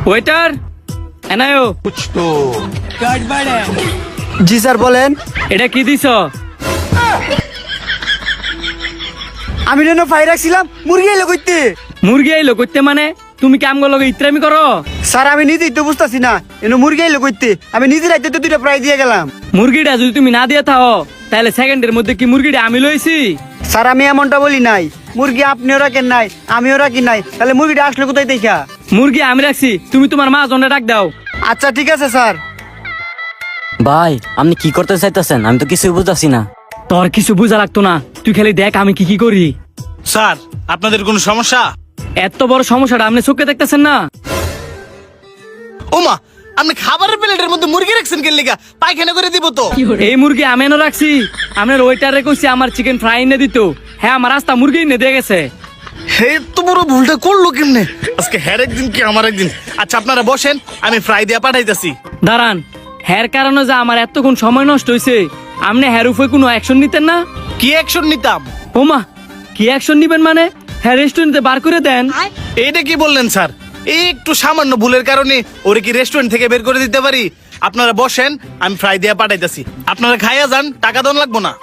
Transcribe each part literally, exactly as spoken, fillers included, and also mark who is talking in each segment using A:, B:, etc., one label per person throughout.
A: Waiter এনায়ো।
B: জি sir বলেন।
A: এটা কি দিছ?
B: আমি যেন ফাই রাখছিলাম মুরগি এলো কইতে।
A: মুরগি আইলো করতে মানে তুমি কাম গো লগে ইত্রামি করো?
B: স্যার আমি নিজেই তো বুঝতেছি না এনে মুরগি এলো কইতে। আমি নিজে রাইতে তো দুইটা প্রায় দিয়ে গেলাম।
A: মুরগিটা যদি তুমি না দিয়ে থাও তাহলে সেকেন্ডের মধ্যে কি মুরগিটা আমি লইছি?
B: স্যার আমি এমনটা বলি নাই। মুরগি আপনিও রাখেন নাই আমিও রাখি নাই, তাহলে মুরগিটা আসলে কোথায় দেখা?
A: মুরগি আমি রাখছি, তুমি তোমার মা জনে ডাক দাও।
B: আচ্ছা ঠিক আছে স্যার।
C: ভাই আপনি কি করতে চাইতেছেন? আমি তো কিছুই বুঝতেছি না।
A: তোর কিছু বুঝা লাগতো না, তুই খালি দেখ আমি কি কি করি।
D: স্যার আপনাদের কোনো সমস্যা?
A: এত বড় সমস্যাটা আপনি চোখে দেখতেছেন না?
D: ওমা, আপনি খাবারের প্লেটের মধ্যে মুরগি রাখছেন কেন লিগা? পায়খানা করে দিব তো।
A: এই মুরগি আমি এনে রাখছি, আপনার ওয়েটারে কইছি আমার চিকেন ফ্রাই এনে দিত। হ্যাঁ আমার রাস্তা মুরগি এনে দিয়ে গেছে।
D: হে তো বড় ভুলটা করলো কেমনে? আজকে হ্যার একদিন কি আমার একদিন। আচ্ছা আপনারা বসেন, আমি ফ্রাই দিয়া পাঠাইতাছি।
A: দাঁড়ান, হ্যার কারণে যে আমার এতক্ষণ সময় নষ্ট হয়েছে, আপনি হ্যার উপরে কোনো অ্যাকশন নিতেন না?
D: কি অ্যাকশন নিতাম?
A: ওমা, কি অ্যাকশন নিবেন মানে? হ্যাঁ রেস্টুরেন্টে বার করে দেন।
D: এইটা কি বললেন স্যার? এই একটু সামান্য ভুলের কারণে ওরে কি রেস্টুরেন্ট থেকে বের করে দিতে পারি? আপনারা বসেন, আমি ফ্রাই দিয়া পাঠাইতাছি। আপনারা খাইয়া যান, টাকা দন লাগবো না।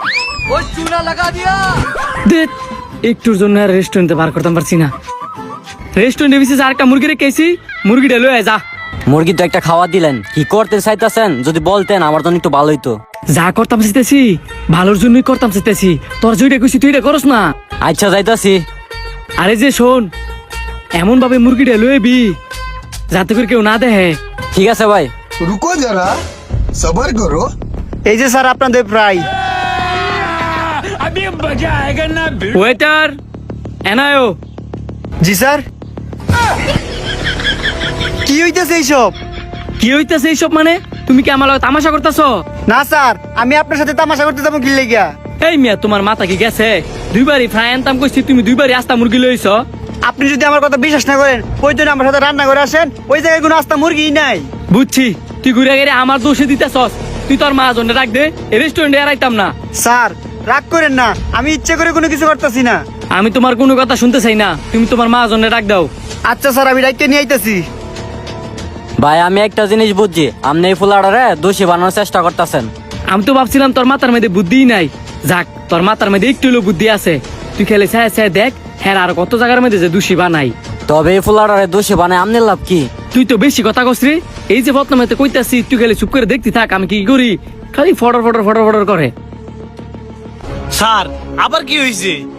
A: দেখ, একটুর জন্য আর রেস্টুরেন্টে বার করতে পারছি না। রেস্টুরেন্টে বিশেষ আর একটা মুরগি রেখেছি, মুরগিটা লয়ে যা।
C: মুরগি তো একটা খাওয়া দিলেন, কি করতে চাইতেছেন যদি বলতেন আমার জন্য একটু ভালো হইতো।
A: যা করতাম চাইতেছি ভালোর জন্যই করতাম চাইতেছি, তোর যেটা কইছি তুই এটা করস না।
C: আচ্ছা যাইতাছি।
A: আরে যে শোন, এমন ভাবে মুরগিটা লয়েবি যাতে করে কেউ না দেখে।
C: ঠিক আছে ভাই।
E: रुको जरा सबर करो।
B: এই যে স্যার আপনাদের প্রায়।
A: ওয়েটার এনায়ো।
B: জি স্যার। কি হইতেছে এইসব?
A: কি হইতেছে এইসব মানে? তুমি কি আমার লগে তামাশা করতেছ?
B: না স্যার, আমি আপনার সাথে তামাশা করতে যাবো কি লেগা?
A: এই মিয়া তোমার মাথা কি গেছে? দুইবারই ফ্রাই আনতাম কইছি, তুমি দুইবারই আস্তা মুরগি লইছ।
B: আপনি যদি আমার কথা বিশ্বাস না করেন ওই জন্য আমার সাথে রান্না করে আসেন, ওই জায়গায় কোনো আস্তা মুরগি নাই।
A: বুঝছি, তুই ঘুরে গেলে আমার দোষে দিতেছস। তুই তোর মা জন্য রাখ দে, এই রেস্টুরেন্টে এরাইতাম না।
B: স্যার রাগ করেন না, আমি ইচ্ছে করে কোনো কিছু করতেছি না।
A: আমি তোমার কোনো কথা শুনতে চাই না, তুমি তোমার মা জন্য রাখ দাও।
B: আচ্ছা স্যার, আমি ডাইকে নিয়ে আইতেছি।
C: ভাই আমি একটা জিনিস বুঝছি, আপনি এই ফুলাডারে দোষী বানানোর চেষ্টা করতেছেন।
A: আমি তো ভাবছিলাম তোর মাথার মধ্যে বুদ্ধিই নাই। যাক, তোর মাথার মধ্যে একটু হলেও বুদ্ধি আছে। তুই খেলে চাই চাই দেখ, হ্যাঁ আর কত জায়গার মধ্যে যে দোষী বানাই।
C: তবে এই ফুলাডারে দোষী বানায় আমনের লাভ কি?
A: তুই তো বেশি কথা কস রে। এই যে বদনামেতে কইতাছি, তুই খালি চুপ করে দেখতে থাক আমি কি করি। খালি ফটর ফটর ফটর ফটর করে।
D: স্যার আবার কি হয়েছে?